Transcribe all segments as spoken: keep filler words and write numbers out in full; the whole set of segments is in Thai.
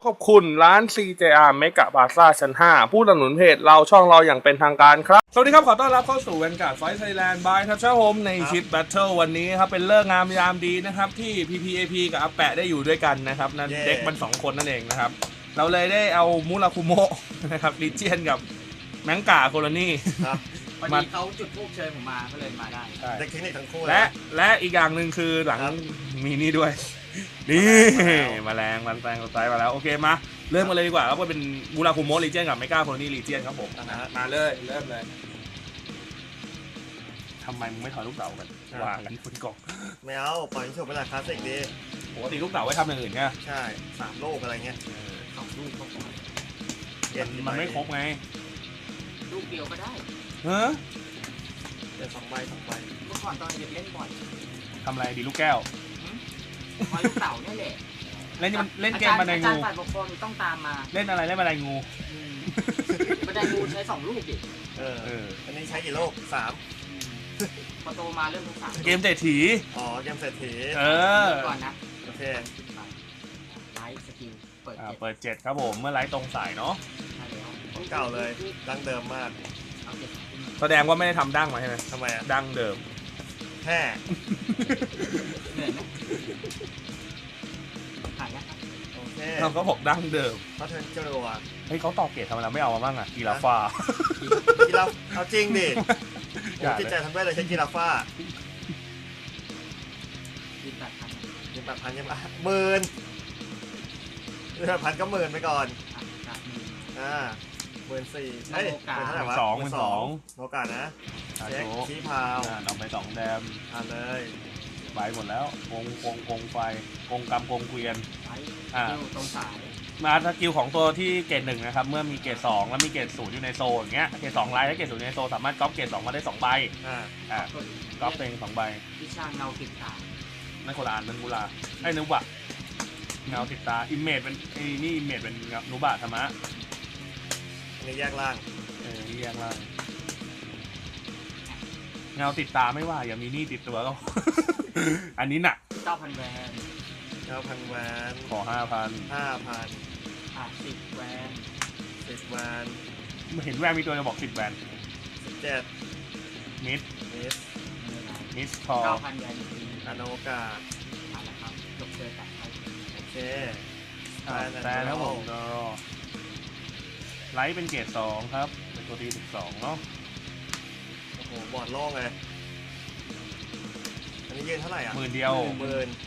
ขอบคุณร้าน ซี เจ อาร์ Mega Plaza ชั้น ห้า ผู้สนับสนุนเพจเราช่องเราอย่างเป็นทางการครับสวัสดีครับขอต้อนรับเข้าสู่ Vanguard Fight Thailand by ทัชเชอร์โฮมในชิป Battle วันนี้ครับเป็นเลิกงามยามดีนะครับที่ พี พี เอ พี กับอาแปะได้อยู่ด้วยกันนะครับนั่นเด็กมันสองคนนั่นเองนะครับเราเลยได้เอามูราคุโมะนะครับลิเจียนกับแมงกาโคโลนี่วันนี้เขาจุดทูบเชิญผมมาก็เลยมาได้เด็กเทคนิคทั้งคู่และและอีกอย่างหนึ่งคือหลังมีนี่ด้วยนี่มาแรงมันแรงสไตล์มาแล้วโอเคมาเริ่มกันเลยดีกว่าครับว่าเป็นมูราคุโมะลีเจียนกับเมกาโคโลนี่ลีเจียนครับผมมาเลยเริ่มเลยทำไมมึงไม่ถอยลูกเต๋ากันวางกันบนกล่องไม่เอาปล่อยโชว์เวลาคลาสสิกดีปกติลูกเต๋าไว้ทำอย่างอื่นใช่ไหมใช่สามลูกอะไรเงี้ยสองลูกก็พอมันไม่ครบไงลูกเดียวก็ได้เฮ้อเดี๋ยวสองใบสองใบเมื่อก่อนตอนเด็กเล่นบ่อยทำอะไรดีลูกแก้วคอยลูกเต๋าเนี่ยแหละเล่นเล่นเกมบันไดงูอาจารย์ฝ่ายปกครองต้องตามมาเล่นอะไรเล่นบันไดงูบันไดงูใช้สองลูกดิเอออันนี้ใช้กี่ลูกสามพอโตมาเริ่มสามเกมเศรษฐีอ๋อเกมเศรษฐีเออก่อนนะโอเคไลท์สกิลเปิดเปิดเจ็ดครับผมเมื่อไลท์ตรงสายเนาะเก่าเลยดั้งเดิมมากแสดงว่าไม่ได้ทำดั้งมาใช่ไหมทำไมอ่ะดั้งเดิมแค่เหนื่อยไหมผ่านแล้วครับโอเคเราก็บอกดั้งเดิมเขาเทิร์นเจ้าตัวเฮ้ยเขาต่อเกตทำไมเราไม่เอามาบ้างอ่ะกีฬาฟ้ากีฬาเอาจริงดิจิตใจทำได้เลยใช้กีฬาฟ้ายิงแปดพันยิงแปดพันยังไงหมื่นแปดพันก็หมื่นไปก่อนอ่าหมื่นสี่เฮ้ยหมื่นเท่าไหร่วะสองหมื่นสองโอกาสนะเช็คชี้พาวเอาไปสองแดมอ่าเลยใบหมดแล้วกงกงกงไฟกงกำกงเกวียนอ่าตรงสายมาสกิลของตัวที่เกรดหนึ่งนะครับเมื่อมีเกรดสองแล้วมีเกรดศูนย์อยู่ในโซนอย่างเงี้ยเกรดสองไลน์และเกรดศูนย์ในโซนสามารถก๊อปเกรดสองมาได้สองใบอ่าอ่าก๊อปเองสองใบวิชาเงาติดตาไม่โคลานเป็นกุลาไอ้นุบะเงาติดตาอิมเมจเป็นไอ้นี่อิมเมจเป็นนุบะธรรมะอันนี้แยกล่างเออนี่แยกล่างเงาติดตาไม่ว่าอย่ามีนี่ติดตัวก็อันนี้หนักเก้าพันแวนเก้าพันแวนขอห้าพันห้าพันอ่ะสิบแวนสิบแวนเห็นแวนมีตัวจะบอกสิบแวนสิบเจ็ดมิดมิดมิสพอเก้าพันแวนอโนกาผ่านแล้วครับจบเจอกันโอเคแต่แล้วผมก็ไลท์เป็นเกรดสองครับเป็นตัวทีสิบสองเนาะโอ้โหบอดโล่งเลยอันนี้ยืนเท่าไหร่อ่ะหมื่นเดียวหมื่น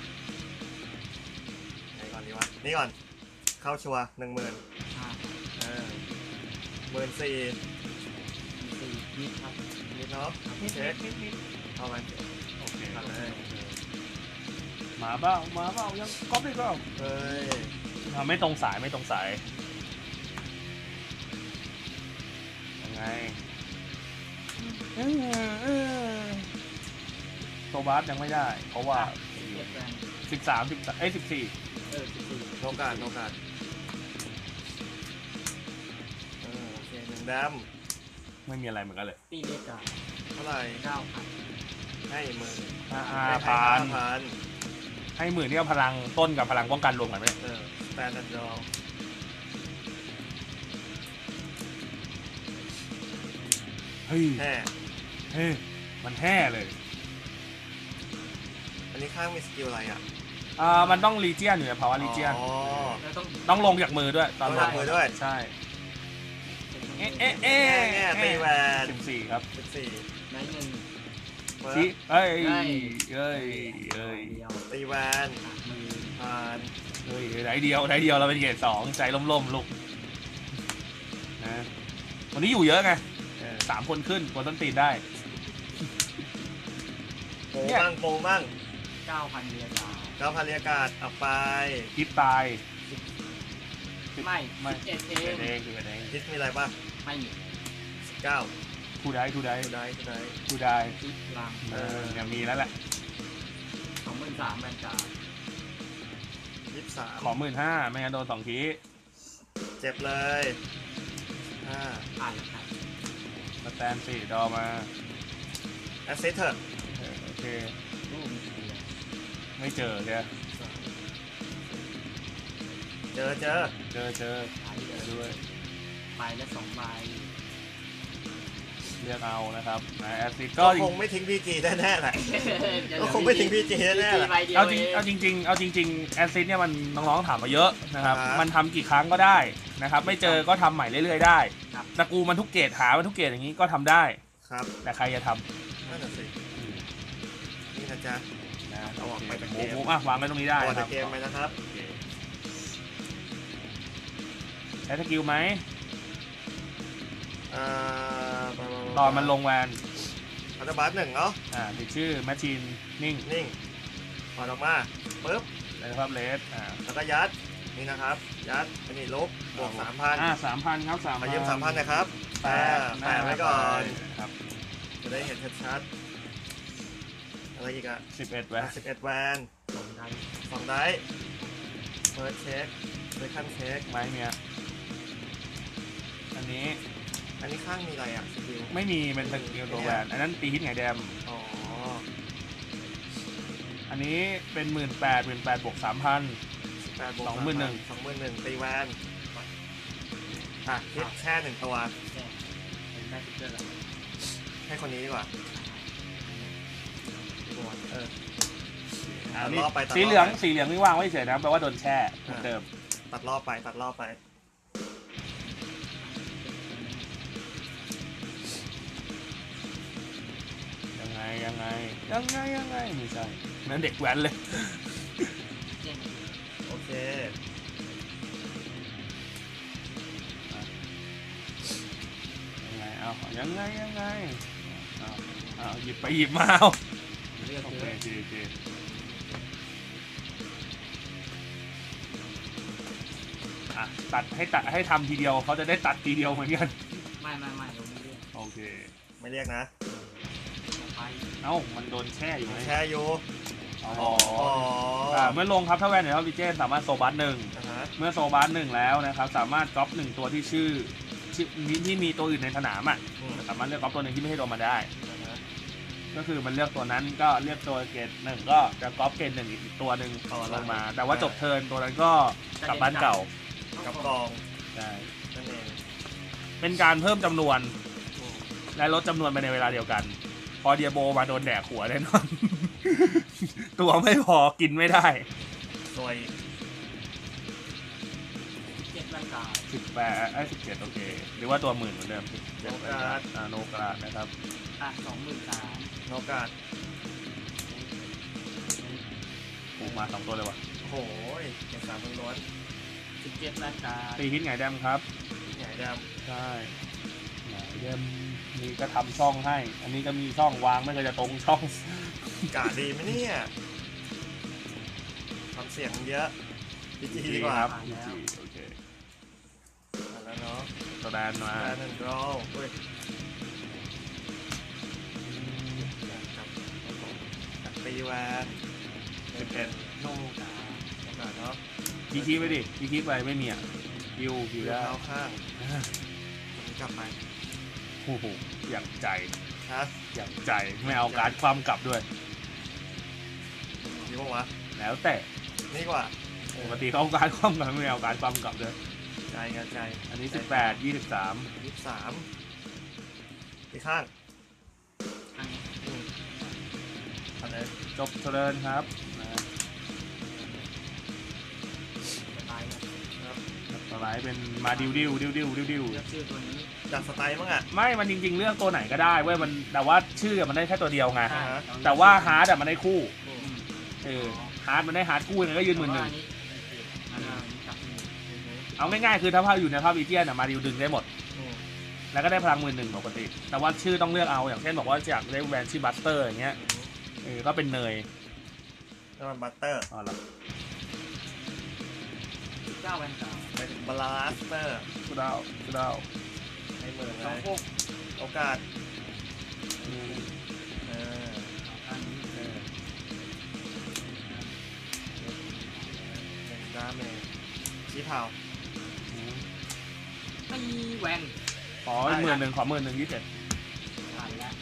ไหนก่อนดีวะนี่ก่อนเข้าชัวหนึ่งหมื่นเออหมื่นสี่สี่นิดครับนิดเนาะเช็คเอาไปโอเคเลยมาเปล่ามาเปล่ายังก๊อปได้เปล่าเฮ้ยไม่ตรงสายไม่ตรงสายยังไงโซบาสยังไม่ได้เพราะว่าสิบสามสิบเอ้ยสิบสี่เออสิบสี่โอกาสโอกาสเออโอเคหนึ่งดำไม่มีอะไรเหมือนกันเลยตีเลขกันเท่าไหร่เก้าพันให้หมื่นห้าพันให้หมื่นนี่เอาพลังต้นกับพลังป้องกันรวมกันไหมเออสแตนดาร์ดดอลเฮ้ยแห่เฮ้ยมันแห่เลยอันนี้ข้างมีสกิลอะไรอ่ะอ่ามันต้องลีเจียนอยู่ในภาวะลีเจียนต้องต้องลงจากมือด้วยตอนลงมือด้วยใช่เอ๊ะเอ๊ะเอ๊ะตีแหวนสิบสี่ครับสิบสี่ได้เงินชี้เอ้ยเอ้ยเอ้ยตีแวนผ่านเฮ้ยไหนเดียวไหนเดียวเราเป็นเกรดสองใจล่มๆลูกนะวันนี้อยู่เยอะไงสามคนขึ้นคนต้นตีนได้โปมั่งโปมั่งเก้าพันเรียกาเก้าพันเรียกาดเอาไปคิดตายไม่ไม่เอ็ดเองเองคือเองคิดมีอะไรป่ะไม่มีสิบเก้าทูได้ทูได้ทูได้ทูได้ทูได้คิดลังเออเนี่ยมีแล้วแหละสองหมื่นสามแบนการ์ดยี่สิบสามขอหมื่นห้าไม่งั้นโดนสองทีเจ็บเลยห้าอ่านแล้วครับสแตนสี่ดอมาแอสเซทเถอะโอเคไม่เจอเนี่ยเจอเจอเจอเจอไปเจอด้วยไปแล้วสองใบเลือกเอานะครับนะแอซิดก็ก็คงไม่ทิ้งพีจีแน่ๆแหละเดี๋ยวก็คงไม่ทิ้งพีจีแน่ๆแหละใบเดียวเอาจริงเองเอาจริงๆเอาจริงๆแอซิดเนี่ยมันน้องๆถามมาเยอะนะครับอ่าฮะมันทำกี่ครั้งก็ได้นะครับไม่เจอก็ทำใหม่เรื่อยๆได้ครับตระกูลมันทุกเกรดหามันทุกเกรดอย่างนี้ก็ทำได้ครับแต่ใครจะทำนั่นน่ะสินี่นะจ๊ะนะเอาออกไปจากหเกมูมหมูอ่ะวางไว้ตรงนี้ได้ตัวคในรับเกมไปนะครับโอเคใช้สกิลไหมอ่าตอนมันลงแวนอัลตบัสหนึ่งเนาะอ่าติดชื่อแมชชีนนิ่งนิ่งปล่อยออกมาปึ๊บนะครับเลสอ่าแล้วก็ยัดนี่นะครับ ยัดอันนี้ลบบวกสามพันอ่าสามพันครับสามมายืมสามพันนะครับแปอ่าดแปะไว้ก่อนครับจะได้เห็นชัดๆอะไรอีกอะสิบเอ็ดแวนสิบเอ็ดแวนสองใบสองได้เฟิร์สเช็คเซคันด์เช็คไม้เมียอันนี้อันนี้ข้างมีอะไรอะสกิลไม่มีเป็นสกิลตัวแวนอันนั้นตีฮิตไงแดมอ๋ออันนี้เป็นหมื่นแปดหมื่นแปดบวกสามพันแปดบวกสองหมื่นหนึ่งสองหมื่นหนึ่งตีแวนอ่ะคิดแค่หนึ่งตัวแค่เป็นได้ติ๊กเกอร์แล้วให้คนนี้ดีกว่าเอออันตัดนี้รอบไปตัดรอบไปสีเหลืองสีเหลืองนี่วางไว้เฉยนะแปลว่าโดนแช่เหมือนเดิมตัดรอบไปตัดรอบไปยังไงยังไงยังไงยังไงไม่ใช่นั่นเด็กแว้นเลยเจ๊งโอเคยังไงเอายังไงยังไงเอาเอาหยิบไปหยิบมาเอาเลือกโอเยเคอะโอเคโอเคอ่ะตัดให้ตัดให้ทำทีเดียวเขาจะได้ตัดทีเดียวเหมือนกันไม่ไม่ไม่เราไม่เลือกโอเคไม่เรียกนะไปเอ้ามันโดนแช่อยู่ไหมแช่อยู่อ๋ออ๋ออ่าเมื่อลงครับถ้าแวนในท็อปดิเจนสามารถโซบัสหนึ่งนะฮะเมื่อโซบัสหนึ่งแล้วนะครับสามารถก๊อปหนึ่งตัวที่ชื่อชื่อที่มีตัวอื่นในสนามอ่ะอืมสามารถเลือกก๊อปตัวหนึ่งที่ไม่ให้โดนมาได้นะฮะก็คือมันเลือกตัวนั้นก็เลือกตัวเกรดหนึ่งก็จะก๊อปเกรดหนึ่งอีกตัวหนึ่งลงมา แต่ว่าจบเทิร์นตัวนั้นก็กลับบ้านเก่ากับกองใช่นั่นเองเป็นการเพิ่มจำนวนอืมและลดจำนวนไปในเวลาเดียวกัน พอเดียโบมาโดนแดกหัวแน่นอน ตัวไม่พอกินไม่ได้สวยเจ็ดร่างกายสิบแปดไอ้สิบเจ็ดโอเค หรือว่าตัวหมื่นเหมือนเดิมสิบเจ็ดโนกาดอ่าโนกราดนะครับอ่ะสองหมื่นสามโนกาดปูมาสองตัวเลยวะโอ้โหเอกสารล้วนสิบเจ็ดร่างกายตีฮิตไงแดมครับๆใหญ่ดใช่ไงแดมนี่ก็ทำช่องให้ อันนี้ก็มีช่องวางไม่เคยจะตรงช่องำกาดดีไหมเนี่ยทำเสียงเยอะพีจีดีกว่าครับพีจีโอเคอ่ะแล้วเนาะตัวแดนมาแอนด์รอลอุ้ยกับตีแวนสิบเอ็ดโนกาโนกาดเนาะคีคีไปดิคีคีไปไม่มีอ่ะคิวคิวเท้าได้ข้างคนนี้กลับไปโอ้โหอยากใจฮะอยากใจไม่เอาการดความกลับด้วยดีป่าวะแล้วแต่นี่กว่าปกติเขาเอาการดความกลับไม่เอาการดความกลับด้วยใจกันใจอันนี้สิบแปดยี่สิบสามยี่สิบสามที่ข้างอันนี้อืมอันนี้จบเทิร์นครับนะจะตายแล้วต่อไปเป็นมาดิวดิวดิวดิวดิวดิวเลือกชื่อตัวนี้จัดสไตล์มั้งอ่ะไม่มันจริงๆเลือกตัวไหนก็ได้เว้ยมันแต่ว่าชื่อมันได้แค่ตัวเดียวไงอ่าฮะแต่ว่าฮาร์ดอะมันได้คู่อืมอืมเออฮาร์ดมันได้ฮาร์ดคู่ยังไงก็ยืนหมื่นหนึ่งอันนี้อันนี้กลับมืออืมเอาง่ายๆคือถ้าภาพอยู่ในภาพอีเจียนอะมาดิวดึงได้หมดอืมแล้วก็ได้พลังหมื่นหนึ่งปกติ แต่ว่าชื่อต้องเลือกเอาอย่างเช่นบอกว่าอยากได้แวนชื่อบัสเตอร์อย่างเงี้ยเออก็เป็นเนยแล้วมันบัตเตอร์อ๋อเหรอสิบเก้าแวนกาไปถึงบลาสเตอร์กูดาวกูดาวให้หมื่นสองเลยหกโอกาสอืมเอออันนี้เออหนึ่งดาเมจชี้เผาอืมไม่มีแวนขอหมื่นหนึ่งขอหมื่นหนึ่งยี่สิบเจ็ดผ่านแล้ว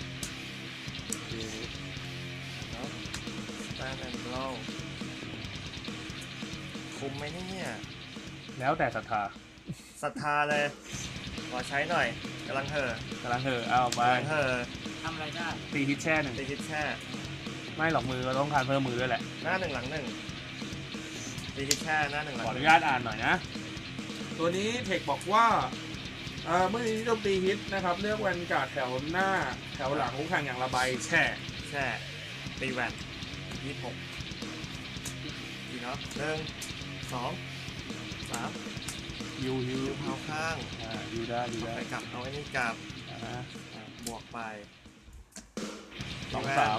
แล้วสแตนแอนด์โรลคุมไหมเนี่ยแล้วแต่ศรัทธาศรัทธาเลยขอใช้หน่อยกำลังเห่อกำลังเถอะเอาไปกำลังเห่อทำอะไรได้ตีฮิตแช่หนึ่งตีคิดแช่ไม่หรอกมือเราต้องการเพิ่มมือด้วยแหละหน้าหนึ่งหลังหนึ่งตีคิดแช่หน้าหนึ่งหลังขออหนุนึ่งญาตอ่านหน่อยนะ ตัวนี้เทคบอกว่าเอ่อเมื่อนี้โจมตีฮิตนะครับเลือกแวนการ์ดแถวหน้าแถวหลังคู่แข่งอย่างละใบแช่แช่ตีแวนยี่สิบหกดีเนาะหนึ่งสองสามยูยูยูเผาข้างอ่ายูได้ยูเอาได้ไปกลับเอาไอ้นี่กลับอ่าอ่ะบวกไปสองสาม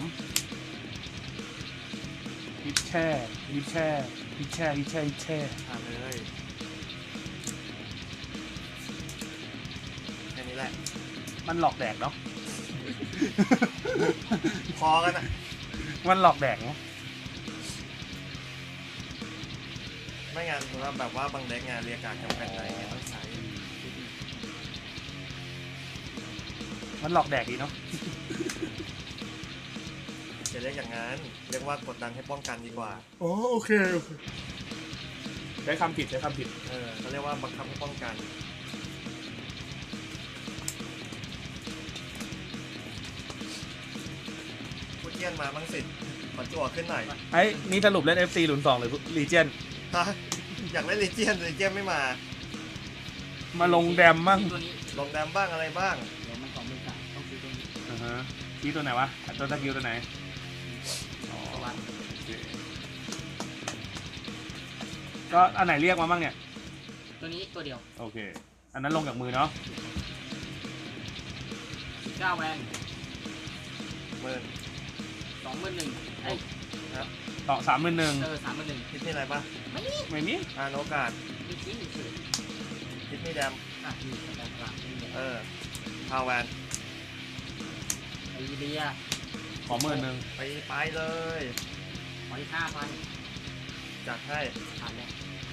ฮิตแช่ฮิตแช่ฮิตแช่ฮิตแช่ฮิตแช่ผ่านเลยแค่นี้แหละมันหลอกแดกเนาะพอกันอ่ะมันหลอกแดกเนาะไม่งั้นว่าแบบว่าบางเด็กงานเรียกการจำเป็นอะไรเงี้ยต้องใช้มันหลอกแดกดีเนาะจะเรียกอย่างนั้นเรียกว่ากดดันให้ป้องกันดีกว่าอ๋อโอเคโอเคใช้คำผิดใช้คำผิดเออเขาเรียกว่าบังคับให้ป้องกันพูดเยี่ยนมาบ้างสิขอจั่วขึ้นหน่อยไอ้นี่สรุปเล่น เอฟ ซี หลุนสองหรือลีเจียนฮะอยากเล่นลีเจียนลีเจียนไม่มามาลงแดมมั่งตัวนี้ลงแดมบ้างอะไรบ้างเดี๋ยวมันสองหมื่นสามต้องซื้อตัวนี้อ่าฮะชี้ตัวไหนวะตัวตะกิวตัวไหนอ๋อตัววันโอเคก็อันไหนเรียกมาบ้างเนี่ยตัวนี้ตัวเดียวโอเค อันนั้นลงจากมือเนาะสิบเก้าแวนหมื่นสองหมื่นหนึ่งไอ้ยต่อสามหมื่นหนึ่งเออสามหมื่นหนึ่งคิดนี่อะไรปะไม่มีไม่มีอ่านโอกาสไม่คิดเฉยคิดนี่แดมอ่ะมีสแตนกลางนี่เนี่ยเออพาวแวนไอเดียขอหมื่นหนึ่งไปไปเลยขอที่ห้าพันจัดให้ผ่านแล้ว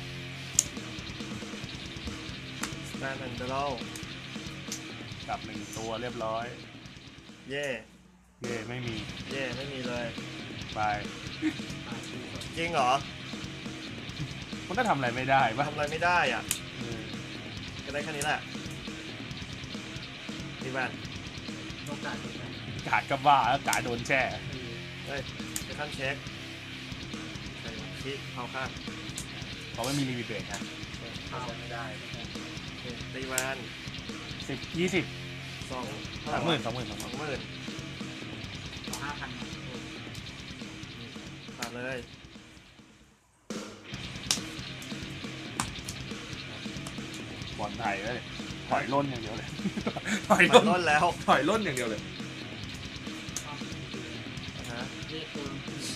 สแตนด์แอนด์ดอลกลับหนึ่งตัวเรียบร้อยเย่เย่ไม่มีเย่ไม่มีเลยไปผ่านชื่อจริงเหรอมันก็ทำอะไรไม่ได้ปะทำอะไรไม่ได้อ่ะเออก็ได้แค่นี้แหละดีแวนโอกาสตัวไหนกาดกับว่าแล้วกาดโดนแช่คือเฮ้ยเซคันเช็คใส่คิดเอาข้างเขาไม่มีลิมิตเบรกนะเข้าไม่ได้ตีแวนสิบยี่สิบสองเท่าสามหไหมื่ร่นสองหมื่นสองหสมื่อน งหมื่นขอห้าพันผ่านเลยบอลไทยเลยถอยล่นอย่างเดียวเลย ถอยผ่าล่นนต้นแล้วถอยล่นอย่างเดียวเลยนะฮะเรียกตัว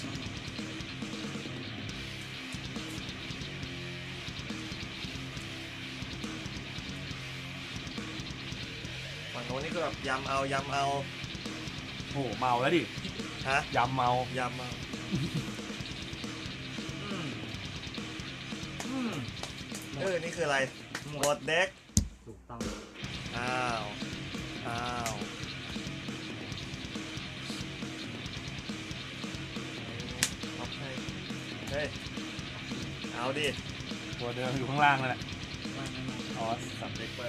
ฝั่งโน้นนี่คือแบบยำเอายำเอาโอ้โหเมาแล้วดิฮะยำเมายำเอาอืมอืมเออนี่คืออะไรหมหมดดเด็กถูกต้องอ้าวอ้าวเอาให้เฮ้ยเอาดิตัวเดิมอยู่ข้างล่างนั่นแหละไม่ไม่ไม่ออสสับเด็กไป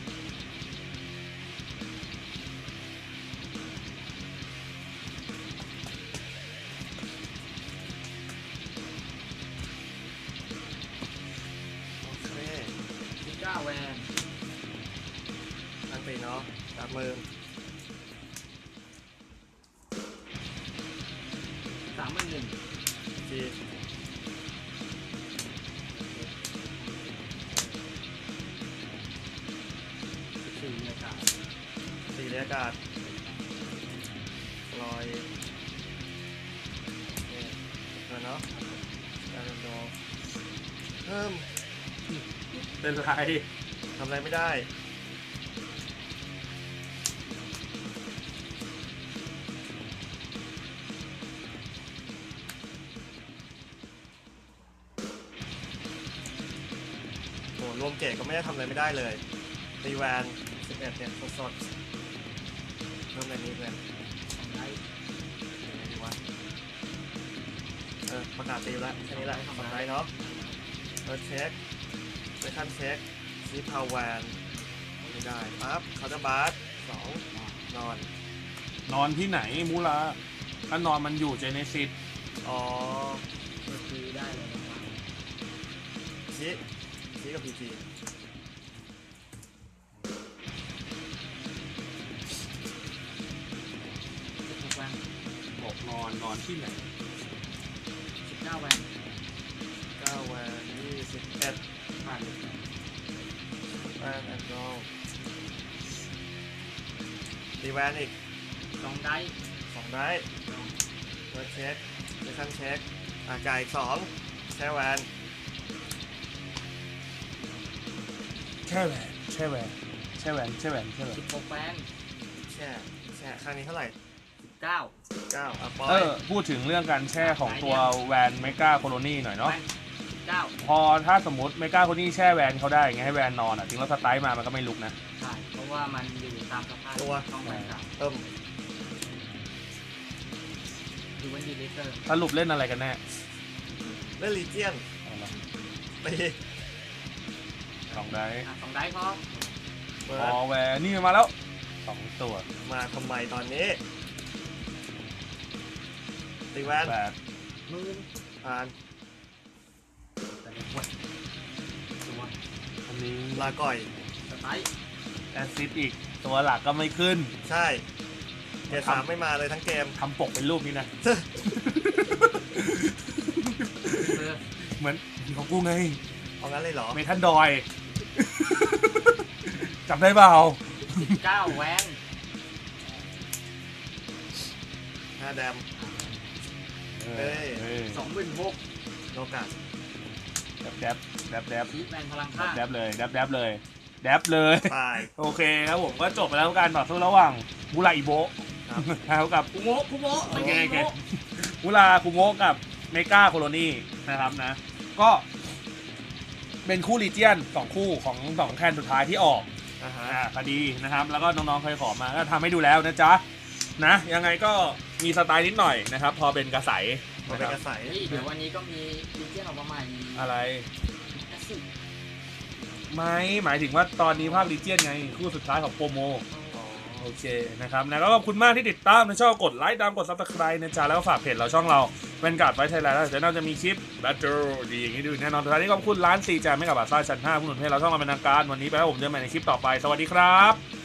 โอเคสิบเก้าแวนตั้งตีเนาะจับมือสามหมื่นหนึ่งทีสี่เรียกการสี่เรียกอากาศลอยนี่เออเนาะการโดเพิ่มเป็นไรทำอะไรไม่ได้โหรวมเกตก็ไม่ได้ทำอะไรไม่ได้เลยตีแวนสิบเอ็ดเนี่ยสดๆเพิ่มอะไรนี้เลยทำได้ยังไงดีวะเออประกาศตีแล้วแค่นี้แหละสองไลท์เนาะเออเช็คไปขั้นเช็คซีพาวแวนไม่ได้ปั๊บคาร์ดบาร์สองนอนนอนที่ไหนมูลาถ้านอนมันอยู่เจเนซิสอ๋อก็คือได้เลยนะครับชิชิกับพีจีสิบหกแวนบอกนอนนอนที่ไหนสิบเก้าแวนเก้าแวนยี่สิบเอ็ดผ่านเลยแวนแอนด์โรตีแวนอีกสองได้สองได้เวิร์ดเช็คเซคันเช็คอ่ะจ่ายอีกสองแช่แวนแช่แหวนแช่แหวนแช่แหวนแช่แหวนแช่แหวนสิบหกแวนแช่แช่ข้างนี้เท่าไหร่สิบเก้าเก้าอ่ะปล่อเอย อพูดถึงเรื่องการแช่ของตัวแวนเมกาโคโลนีหน่อยเนาะแวนสิบเก้าพอถ้าสมมติเมกาโคโลนีแช่แวนเขาได้ไงให้แวนนอนอ่ะถึงเราสไตล์มามันก็ไม่ลุกนะใช่เพราะว่ามันอยู่ตามสภาพช่องแวนเก่าเติมดูวันดีเลเตอร์สรุปเล่นอะไรกันแน่เล่นลีเจียนเอาละตีสองได้อ่ะสองได้พอเปิพดอแวนนี่มาแล้วสองตัวมาทำไมตอนนี้ตีแวนแปดมือผ่านแต่เด็กวัดตัวอันนี้ลาก่อยสไตล์แอซซิดอีกตัวหลักก็ไม่ขึ้นใช่เกมสามไม่มาเลยทั้งเกมทำปกเป็นรูปนี้นะเบอร์เหมือนของกูไงเอางั้นเลยเหรอเมทัลดอย จำได้เปล่าสิบเก้าแวนห้าแดมเอเอ้อย เออสองหมื่นหกโลกาสแดบแดบแดบแดบชีแวนพลังข้างแดบเลยแดบแดบเลยแดบเลยตายโอเคครับผมก็จบไปแล้วการต่อสู้ระหว่างมูราอิโบะครับแล้วกับคุโมะคุโมะโอไม่เคใช่โอเคคุโมะมูราคุโมะกับเมกาโคโลนีนะครับนะ ก็เป็นคู่ลีเจียนสองคู่ของสองแคนสุดท้ายที่ออกอ่าฮะอ่าพอดีนะครับ แล้วก็น้องๆเคยขอมาก็ทำให้ดูแล้วนะจ๊ะนะยังไงก็มีสไตล์นิดหน่อยนะครับ พอเป็นกระใสมันนะเป็นคกรับระใสเฮ้ยเดี๋ยววันนี้ก็มีดิเจนออกมาใหม่อะไรแอสซิดไม่หมายถึงว่าตอนนี้ภาคลีเจียนไงคู่สุดท้ายของโปรโมอ๋อโอเคนะครับนะก็ขอบคุณมากที่ติดตามนะชอบกดไลค์ตามกด ซับสไครบ์ นะจ๊ะแล้วก็ฝากเพจเราช่องเราเป็นการ์ดไว้ไทยแลนด์แล้วเดี๋ยวเราจะมีคลิปแบทเทิลดีอย่างนี้ดูแน่นอนสุดท้ายนี้ขอบคุณร้านซีจาไม่กับบาซ่าชั้นห้าผู้หนุนให้เราช่องเราเป็นทางการวันนี้ไปแล้วผมเจอกันใหม่ในคลิปต่อไปสวัสดีครับ